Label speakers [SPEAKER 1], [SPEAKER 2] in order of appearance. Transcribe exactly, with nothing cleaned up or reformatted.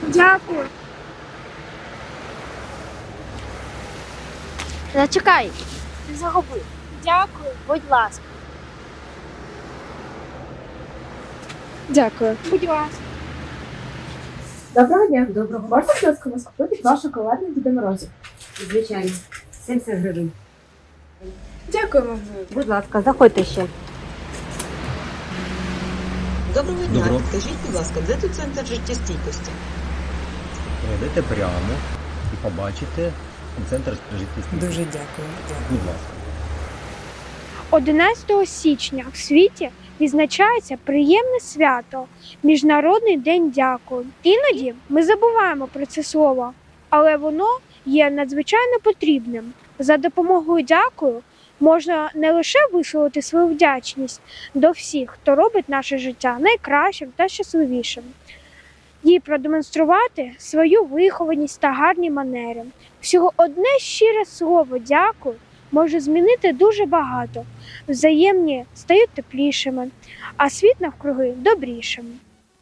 [SPEAKER 1] Дякую.
[SPEAKER 2] Зачекай, не загуби.
[SPEAKER 1] Дякую.
[SPEAKER 2] Будь ласка.
[SPEAKER 1] Дякую. Будь ласка.
[SPEAKER 3] Доброго дня. Доброго. Можна, будь ласка, вас купити два шоколадних Діда Морозів?
[SPEAKER 4] Звичайно, сімдесят гривень.
[SPEAKER 3] Дякуємо.
[SPEAKER 4] Будь ласка, заходьте ще.
[SPEAKER 5] Доброго дня.
[SPEAKER 6] Доброго.
[SPEAKER 5] Скажіть, будь ласка, де тут центр життєстійкості?
[SPEAKER 6] Пройдете прямо і побачите центр життєстійкості.
[SPEAKER 7] Дуже дякую. дякую.
[SPEAKER 6] Будь ласка.
[SPEAKER 1] одинадцятого січня в світі відзначається приємне свято – Міжнародний день дякую. Іноді ми забуваємо про це слово, але воно є надзвичайно потрібним. За допомогою дякую можна не лише висловити свою вдячність до всіх, хто робить наше життя найкращим та щасливішим, і продемонструвати свою вихованість та гарні манери. Всього одне щире слово «дякую» може змінити дуже багато. Взаємні стають теплішими, а світ навкруги добрішим.